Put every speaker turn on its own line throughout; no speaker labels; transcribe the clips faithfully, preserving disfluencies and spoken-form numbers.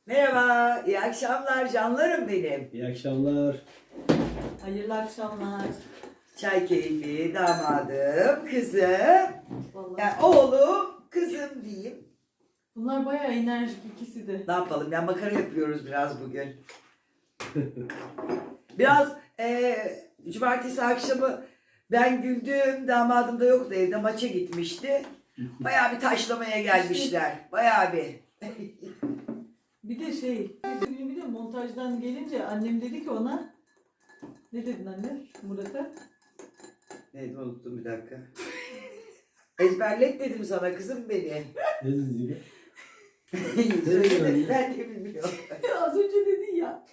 Merhaba, iyi akşamlar canlarım benim.
İyi akşamlar.
Hayırlı akşamlar.
Çay keyfi, damadım, kızım,
Vallahi.
yani oğlum, kızım diyeyim.
Bunlar bayağı enerjik ikisi de.
Ne yapalım ya, makara yapıyoruz biraz bugün. Biraz eee cumartesi akşamı ben güldüm, damadım da yoktu evde, maça gitmişti. Bayağı bir taşlamaya gelmişler, bayağı bir.
Bir de şey, bir de montajdan gelince annem dedi ki ona, ne dedin anne Murat'a?
Neydi unuttum bir dakika. Ezberlet dedim sana kızım beni.
Ne dedin?
Söyledim, ben de bilmiyorum.
Az önce dedin ya.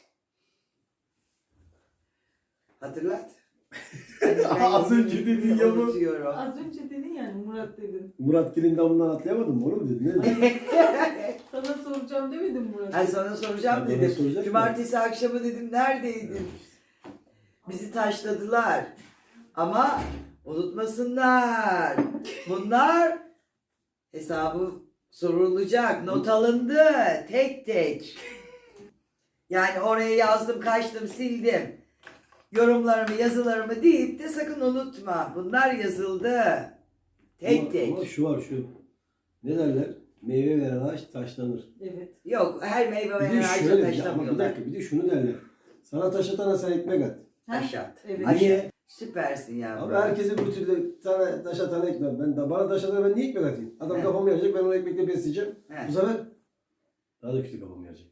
Hatırlat.
Az önce dedin ya bu.
Unutuyorum.
Az önce dedin yani Murat dedin.
Murat Gil'in damından atlayamadın mı? Onu mu dedin? Ne dedin?
Sana soracağım demedim Murat.
Ay sana soracağım
Ya bana
dedim.
soracak
Cumartesi akşamı dedim neredeydin? Bizi taşladılar. Ama unutmasınlar. Bunlar hesabı sorulacak. Not alındı. Tek tek. Yani oraya yazdım, kaçtım, sildim. Yorumlarımı, yazılarımı deyip de sakın unutma. Bunlar yazıldı. Tek
ama,
tek.
Ama şu var şu. Ne derler? Meyve veren ağaç taşlanır.
Evet.
Yok, her meyve
Bir
veren
de
ağaçta
şöyle bir, ama bir
taşlamıyorlar.
dakika bir de şunu derler. Sana taş atana sen ekmek at.
Ha?
Aşat.
Evet.
Aşat.
Niye?
Süpersin yavrum.
Abi herkese bu türlü sana taş atana ekmek. Ben de bana taş atana ben niye ekmek atayım? Adam
He.
kafamı yarayacak, ben onu ekmekle besleyeceğim.
He.
Bu sefer daha da kötü kafamı yarayacak.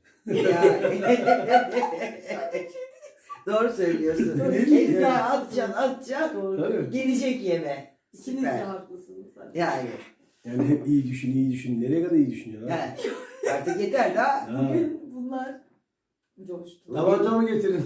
Doğru söylüyorsun.
Ne
Elini
diyeyim ya?
atacaksın, atacaksın.
Doğru.
Tabii.
Gelecek yeme.
İkiniz de
Süper.
haklısınız.
Yani.
Yani iyi düşün, iyi düşün. Nereye kadar iyi düşünüyorsun? Ha?
He. Artık yeter daha.
Ha.
Bugün bunlar coştu.
Tabanca mı getirin?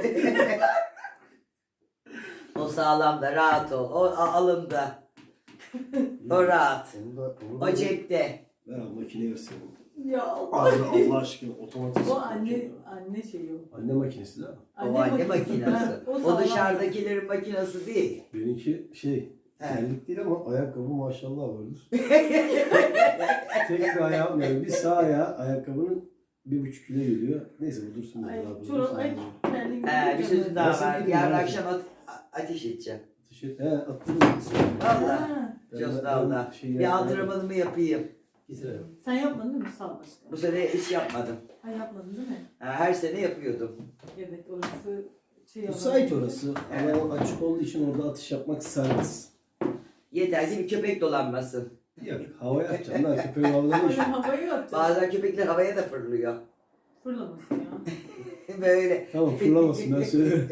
O sağlam da rahat ol. O a- alımda. O rahat.
Onu da, onu da
O cepte.
ver abi makine versin.
Ya Allah.
Allah, Allah aşkına otomatik.
O anne anne şeyi o.
Anne makinesi değil mi?
O anne makinesi.
Ha,
O
sağlam.
dışarıdakilerin makinesi değil.
Benimki şey,
He.
terlik değil ama ayakkabı maşallah vardır. Tek bir ayağım yani bir sağ ayağı ayakkabının bir buçuk kilo geliyor. Neyse bu dursun.
Ay,
burada, bu
çorap,
dursun
ay,
burada.
terliğimi
He, bir sözün daha
Nasıl
var.
gidin
Yarın
ya?
akşam at- a- ateş edeceğim.
Tişört, he attım.
Valla.
Ha,
Cosnal'da.
Şey
Bir antrenmanımı yapayım.
sen yapmadın değil mi? Sağ başka.
Bu sene hiç yapmadım.
Ha yapmadın değil mi?
Ha, her sene yapıyordum.
Evet orası şey
Müsait orası. Ama açık olduğu için orada atış yapmak serbest.
Yeter ki bir köpek dolanmasın.
Yok havaya atacaksın lan köpeğin havada ne
Öyle
işi?
havayı atacağız.
Bazen köpekler havaya da fırlıyor.
Fırlamasın ya.
Böyle.
Tamam fırlamasın ben söylüyorum.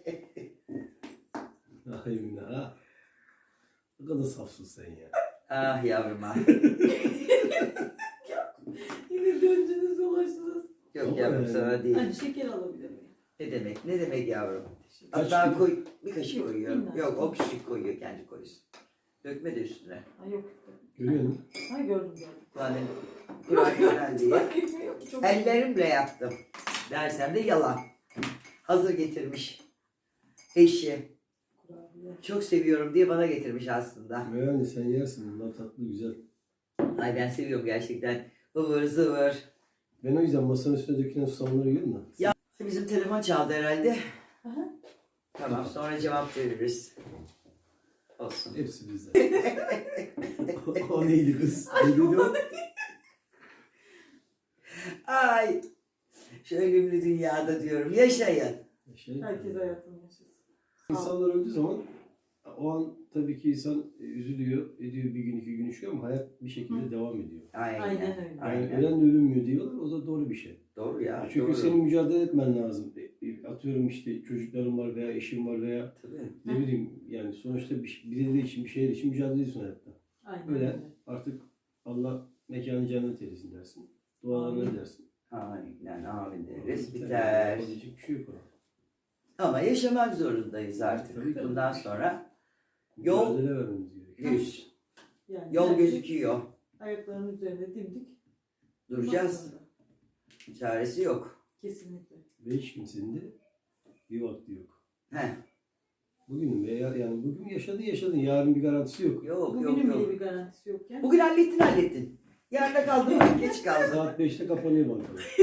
Ay Emine ha. Ne kadar safsın sen ya.
Ah yavrum ah.
Yine döndünüz dolaştınız.
Yok
Ama
yavrum
yani.
sana değil.
Hadi şeker alabilir miyim?
Ne demek? Ne demek yavrum?
Kaç
Hatta
kilo?
koy, bir kaşık
Yok,
koyuyorum.
minnak.
Yok o küçük koyuyor, kendi koysun. Dökme de üstüne.
Ha yok.
Görüyor musun?
Ha gördüm gördüm.
Yani Kur'an Kur'an diye.
Çok
Ellerimle yaptım. Dersem de yalan. Hazır getirmiş. Eşi.
kurabiye.
Çok seviyorum diye bana getirmiş aslında.
Yani sen yersin bunlar tatlı güzel.
Ay ben seviyorum gerçekten. Ivır zıvır.
Ben o yüzden masanın üstüne dökülen susamları yiyorum da.
Ya bizim telefon çaldı herhalde.
Aha.
Tamam sonra cevap veririz. Olsun.
Hepsi bizde. o, o neydi kız? Ne dedi o?
Ay. Şu ölümlü dünyada diyorum. Yaşayın.
Şey,
Herkes hayatını yaşasın.
İnsanlar öldüğü zaman o an tabii ki insan üzülüyor, ediyor bir gün iki gün yaşıyor ama hayat bir şekilde
Hı.
devam ediyor.
Aynen.
Aynen öyle.
Yani
Aynen.
ölen de ölünmüyor diyorlar, o da doğru bir şey.
Doğru ya.
Çünkü
doğru.
senin mücadele etmen lazım. E, e, Atıyorum işte çocukların var veya eşin var veya
Tabii.
ne bileyim yani sonuçta bir, birileri için bir şeyler için mücadele ediyorsun hayatta.
Aynen
Öyle
öyle.
artık Allah mekanı cennet eylesin dersin. Dualarını
Amin.
edersin.
Aynen amin deriz.
Tabii,
Biter.
yapabilecek bir şey yok ona.
Ama yaşamak zorundayız artık.
Tabii ki.
Bundan sonra yol
Mücadele vermemiz gerekiyor.
düz.
Yani
Yol
herkes
gözüküyor.
ayaklarının üzerinde dimdik.
Duracağız.
durmak zorunda.
Çaresi yok.
Kesinlikle.
Ve hiç kimsenin de bir vakti yok.
Heh.
Bugün veya yani bugün yaşadın yaşadın yarın bir garantisi yok.
Yok yok
Bugünün bile
yok.
bir garantisi yokken.
Bugün hallettin hallettin. Yarına kaldım, geç kaldım.
Saat beşte kapanıyor bankalar.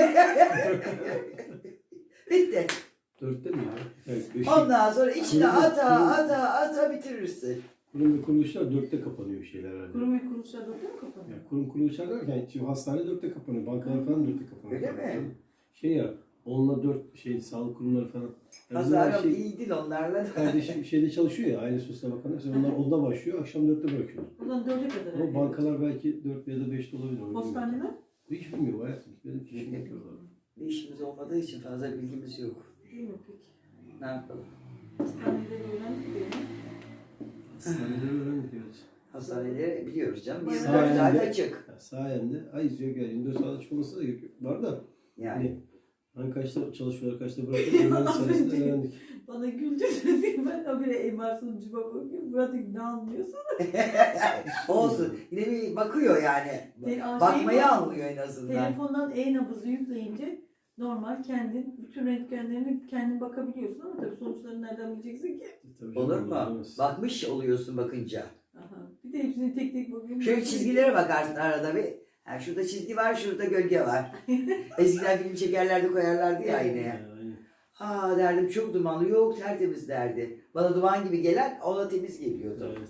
Bitti.
Dörtte mi ya? Evet, beşte.
Ondan sonra içine
Kurum-
ata
kurum-
ata ata bitirirsin.
Kurum ve kuruluşlar dörtte kapanıyor şeyler herhalde.
Kurum ve kuruluşlar dörtte mi kapanıyor?
Yani kurum kuruluşlar derken şimdi hastane dörtte kapanıyor, bankalar falan dörtte kapanıyor.
Öyle mi?
Şey ya, onunla dört şey sağlık kurumları falan. Yani
Pazarım
şey,
iyi değil onlarla da.
kardeşim şeyde çalışıyor ya, Aile Sosyal Bakanlığı. Mesela onlar onda başlıyor, akşam dörtte bırakıyor.
Buradan dörde kadar.
Ama
herhalde.
bankalar belki dört ya da beşte olabilir. onu bilmiyorum.
Postaneler?
Hiç bilmiyorum hayatım. Benim işim yapıyorlar.
Bir işimiz olmadığı için fazla bilgimiz yok.
Değil mi peki?
Ne yapalım?
Hastaneleri öğrendik diye.
Hastaneleri öğrendik evet.
Hastaneleri biliyoruz canım.
Sayende-
yirmi dört saat açık.
Ya sayende, ay izliyor gel yirmi dört saat açık olması da gerek yok. Var da
Yani.
hani, hani kaçta çalışıyorlar, kaçta bırakıyorlar, onların sayesinde öğrendik.
Bana güldürdü diye ben o bile M R sunucuma bakıyorum. Murat'ın ne anlıyorsun?
Olsun. Yine bir bakıyor yani.
Te- aa,
Bakmayı
şey-
anlıyor en azından.
Telefondan e-nabızı yükleyince normal kendin bütün röntgenlerini kendin bakabiliyorsun ama tabii sonuçlarını nereden bileceksin ki?
Tabii canım,
Olur mu?
bilemez.
Bakmış oluyorsun bakınca.
Aha. Bir de hepsini tek tek bakıyorum.
Şöyle çizgilere bakarsın arada bir. Ha, şurada çizgi var, şurada gölge var. Eskiden film çekerlerdi, koyarlardı ya aynaya.
Yani,
Aa derdim çok dumanlı, yok tertemiz derdi. Bana duman gibi gelen ona temiz geliyordu.
evet.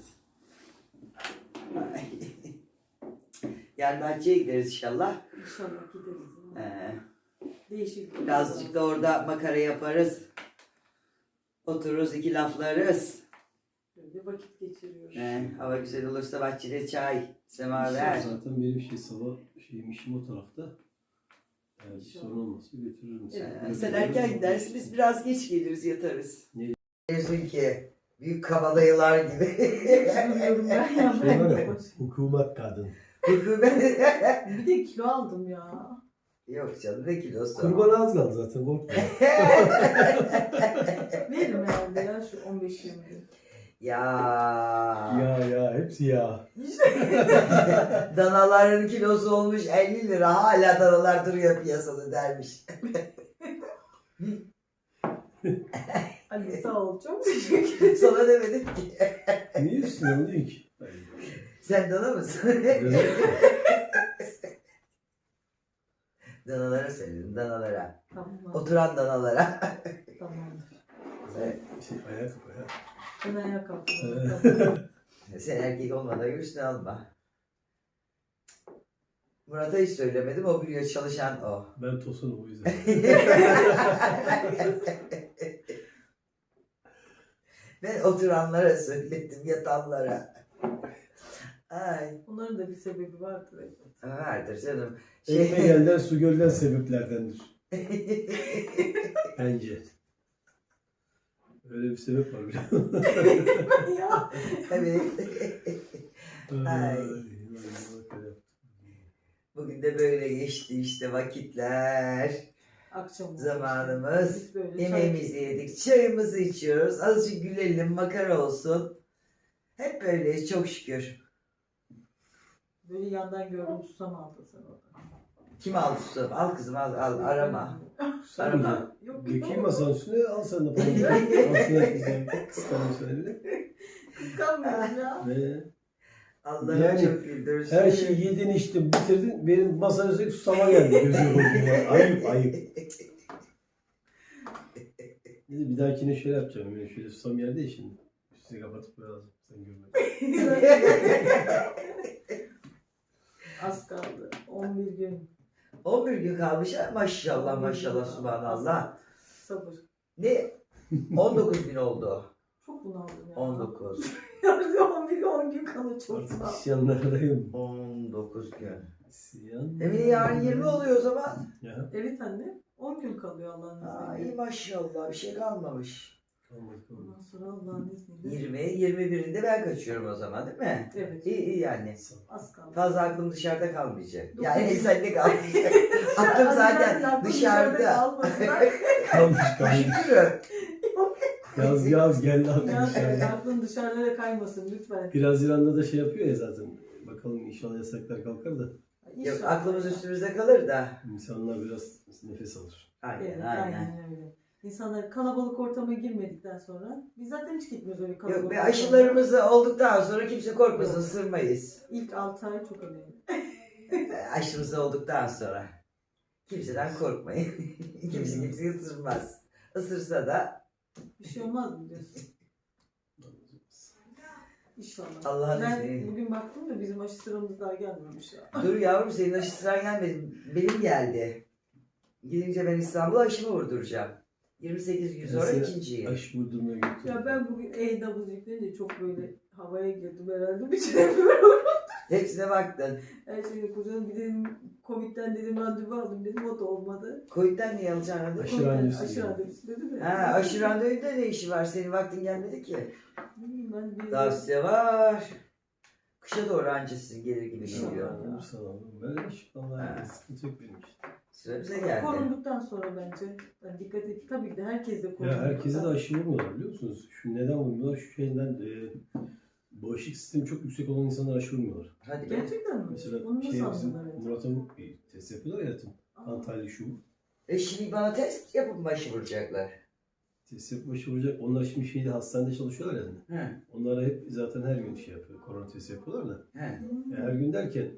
Yani bahçeye gideriz inşallah.
İnşallah gideriz.
Ee,
Değişik.
birazcık da orada makara yaparız. Otururuz, iki laflarız.
Böyle vakit geçiriyoruz.
Ee, hava güzel olursa bahçede çay, semaver.
Zaten benim şey sabah şeyim işim o tarafta. Eğer bir
İnşallah.
sorun olmazsa götürürüm seni.
Ee, sen erken gidersin, biz biraz geç geliriz, yatarız.
Ne?
Diyorsun ki, büyük kabadayılar gibi.
Üzülüyorum ben ya.
Şey
Ben
var
de
ya,
boş.
hukumet kadın.
Bir de kilo aldım ya.
Yok canım, ne kilosu?
Kurban az kaldı zaten korkma.
Veririm herhalde ya şu on beş yirmi gün.
Ya.
ya ya hepsi ya.
Danaların kilosu olmuş elli lira, hala danalar duruyor piyasada dermiş.
Ali sağ ol çok teşekkür ederim.
Sana demedim ki.
Niye üstüne onu değil ki?
Sen dana mısın? Danalara söyledim, danalara.
Tamam.
Oturan danalara.
Tamamdır.
Şey, ayak ayak.
Ben ayağa kalktım.
Evet.
Sen erkek olmadan üstüne alma. Murat'a hiç söylemedim, o biliyor, çalışan o.
Ben tosunum o yüzden.
Ben oturanlara söyledim, yatanlara. Ay,
Onların da bir sebebi vardır. Evet.
vardır canım.
Ekmek elden su gölden sebeplerdendir. Bence. Öyle bir sebep var biliyor musun?
ya.
Evet. Ay.
Ay.
Bugün de böyle geçti işte vakitler.
Akşam oldu
Zamanımız.
işte. Biz böyle çay-
Yemeğimizi yedik, çayımızı içiyoruz. Azıcık gülelim, makara olsun. Hep böyleyiz çok şükür.
Böyle yandan gördüm susam aldın sen orada.
Kim aldı susam? Al kızım al, al arama. Arama.
Yok
Dökeyim masanın üstüne al sen de payını. Altına güzel kıskanım söyle.
Kıskanmıyorum ya.
Ve
Allah'ım
Yani
çok güldürsün.
her şeyi yedin içtin bitirdin. Benim masanın üstüne susama geldi gözüme koyduğuma. Ayıp ayıp. Neyse bir dahakine şöyle yapacağım. Yani şöyle susam yerde ya şimdi. Üstünü kapatıp böyle alacağım. Sen görme.
Az kaldı. on bir gün.
on bir gün kalmış ha. Maşallah maşallah subhanallah.
Sabır.
Ne? on dokuz gün oldu.
Çok bunaldım ya.
on dokuz.
on bir on gün kalı çok
Artık
sağ ol.
isyanlardayım.
on dokuz gün.
İsyan.
Emine yarın yirmi oluyor o zaman.
Ya.
Evet anne. on gün kalıyor Allah'ın
Aa, iyi
izniyle.
maşallah bir şey kalmamış.
Kalmadı kalmadı.
Ondan sonra Allah'ın izniyle.
yirmi, yirmi birinde ben kaçıyorum o zaman değil mi?
Evet.
İyi iyi yani.
Az kaldı.
Fazla aklım dışarıda kalmayacak.
Dokuz-
Yani sende kalmayacak. aklım
Hadi
zaten
aklım
dışarıda.
kalmasınlar.
Kalmış kalmış.
Şükür.
Yaz yaz gel lan
Ya,
dışarıda.
aklın dışarılara kaymasın lütfen.
Bir Haziran'da da şey yapıyor ya zaten. Bakalım inşallah yasaklar kalkar da.
Yok
İnşallah.
aklımız üstümüzde kalır da.
İnsanlar biraz nefes alır.
Aynen
Evet,
aynen.
aynen öyle. İnsanlar kalabalık ortama girmedikten sonra biz zaten hiç gitmiyoruz öyle kalabalık
Yok be
ortama.
aşılarımız olduktan sonra kimse korkmasın,
Yok.
ısırmayız.
İlk altı ay çok önemli.
Aşımız olduktan sonra. Kimseden korkmayın. Kimse kimseyi ısırmaz. Isırsa da
Bir şey olmaz mı diyorsun? İnşallah.
Allah'ın
Ben
izniyle.
bugün baktım da bizim aşı sıramız daha gelmemiş ya.
Dur yavrum, senin aşı sıran gelmedi. Benim geldi. Gidince ben İstanbul'a aşımı vurduracağım. yirmi sekiz gün sonra
Mesela
ikinciyi.
Aşı vurdurmaya götürdüm.
Ya ben bugün e-nabız yüklenince çok böyle havaya girdim herhalde. Bir şey yapıyorum.
Hepsine baktın.
Her şeyi kurcaladım. Bir dedim Covid'den dedim randevu aldım dedim, o da olmadı.
Covid'den niye alacaksın randevu?
Aşı
Covid'den
randevusu
Aşı
yani.
randevusu dedim ya.
Ha, aşı randevunda ne işi var? Senin vaktin gelmedi ki.
Bilmiyorum, ben bir
Daha size var. Kışa doğru anca sizin gelir gibi
İnşallah.
geliyor.
Olursa da olur. Ben hiç vallahi
Ha.
sıkıntı yok benim işte.
Sıra bize geldi.
korunduktan sonra bence yani dikkat et. Tabii ki de herkes de korundu.
Ya herkese de aşı vurmuyorlar biliyor musunuz? Şu neden vurmuyorlar? Şu şeyden e, bağışıklık sistemi çok yüksek olan insanlar aşı vurmuyorlar.
Hadi be.
Gerçekten mi?
Mesela
Onu nasıl
şey bizim
anladın? Evet.
Murat'a bir test yapıyorlar ya hayatım. Antalya şu.
E şimdi bana test yapıp mı aşı vuracaklar?
Test yapıp aşı vuracak. Onlar şimdi şeyde hastanede çalışıyorlar yani.
Hı.
Onlara hep zaten her gün şey yapıyor. Korona testi yapıyorlar da.
Hı.
Hmm.
Yani her gün derken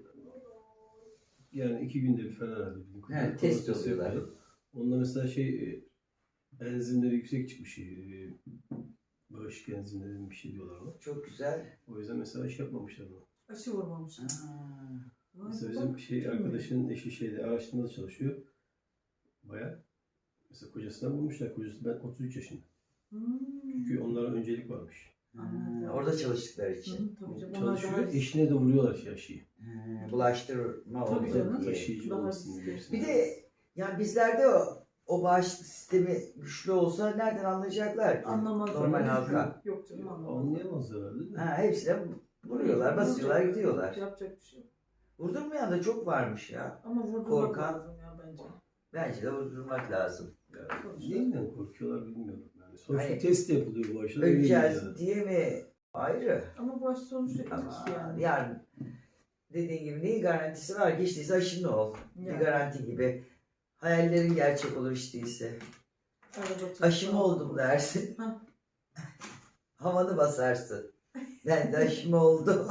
yani iki günde bir falan herhalde. bildiğim kadarıyla
He, test
korona testi
oluyorlar.
yapıyorlar. Onda mesela şey e, enzimleri yüksek çıkmış. E, bağışıklık enzimleri bir şey diyorlar ona.
Çok güzel.
O yüzden mesela şey yapmamışlar bunu.
Aşı vurmamış.
Aa.
Vay
Mesela
bak,
bizim şey
kim
arkadaşının eşi şeyde araştırmada çalışıyor. Baya. Mesela kocasından vurmuşlar. Kocası ben otuz üç yaşında.
Hmm.
Çünkü onlara öncelik varmış.
Hı, orada çalıştıkları için.
Hı, tabii canım. Onlar
Çalışıyor.
daha
Eşine de vuruyorlar şey aşıyı.
Hı, bulaştırma
Tabii
oldu
canım.
diye.
Taşıyıcı
Daha
olmasın
riskli.
diye.
Bir de yani bizlerde o, o bağışıklık sistemi güçlü olsa nereden anlayacaklar ki?
anlamazlar.
Normal halka.
Yok canım, anlamazlar.
Anlayamazlar herhalde de.
Ha, hepsine vuruyorlar, basıyorlar, gidiyorlar.
Yapacak bir şey yok.
Vurdurmayan da çok varmış ya.
Ama vurdurmak
Korkan.
lazım ya bence.
Bence de vurdurmak lazım.
Yani neyinden korkuyorlar bilmiyorum. Yani sonuçta
Hani-
test yapılıyor bu aşıda.
Öleceğiz diye mi? Ayrı.
Ama bu aşı sonuçta ilk
Ama
yani.
yani dediğin gibi neyin garantisi var ki? İşteyse aşın ol.
Yani.
Bir garanti gibi. Hayallerin gerçek olur işteyse.
Araba
Aşım
çarpma.
oldum dersin.
Ha.
Havanı basarsın. Ben de aşım oldu.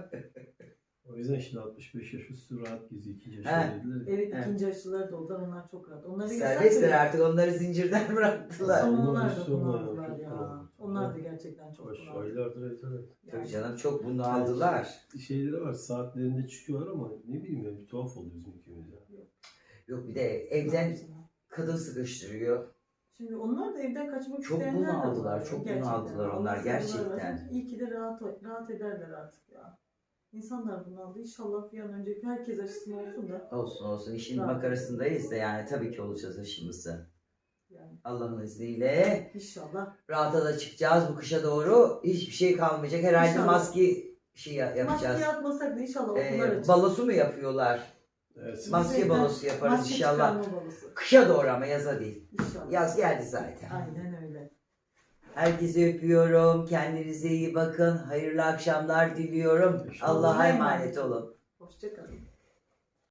O yüzden şimdi altmış beş yaş üstü rahat geziyor. İkinci
He.
yaşı dediler. ya.
Evet,
Evet.
ikinci aşılar da oldu. Onlar çok rahat. Onları
Serbestler
yasak
artık, onları zincirden bıraktılar.
Ama
Onlar
onlar da
aşısı olmayan
bunaldılar
çok
ya.
bunaldı.
Onlar da gerçekten çok
Baş
bunaldı.
aylardır evet evet.
Tabii canım, çok bunu aldılar.
Şeyleri var saatlerinde çıkıyorlar ama ne bileyim ya bir tuhaf oldu bizim ülkemizde.
Yok bir de evden kadın sıkıştırıyor.
Şimdi onlar da evden kaçmak
Çok
isteyenler de
bunaldılar,
var.
çok
Gerçekten.
bunaldılar onlar,
Allah
gerçekten.
sabırlar versin. İyi ki de rahat, rahat ederler artık ya. İnsanlar bunaldı. İnşallah bir an önce herkes aşısını olsun da.
Olsun olsun, işin
Rahat.
makarasındayız da yani tabii ki olacağız aşımızı.
Yani
Allah'ın izniyle
inşallah.
rahata da çıkacağız bu kışa doğru. Hiçbir şey kalmayacak. Herhalde
İnşallah.
maske şey yapacağız.
Maske atmasak da inşallah okullar
Ee,
açılır.
balosu mu yapıyorlar?
Evet.
Maske
Bize
balosu yaparız
maske
inşallah.
çıkarma balosu.
Kışa doğru ama yaza değil.
İnşallah.
Yaz geldi zaten.
Aynen öyle.
Herkese öpüyorum. Kendinize iyi bakın. Hayırlı akşamlar diliyorum.
Teşekkür ederim.
Allah'a emanet olun.
Hoşçakalın.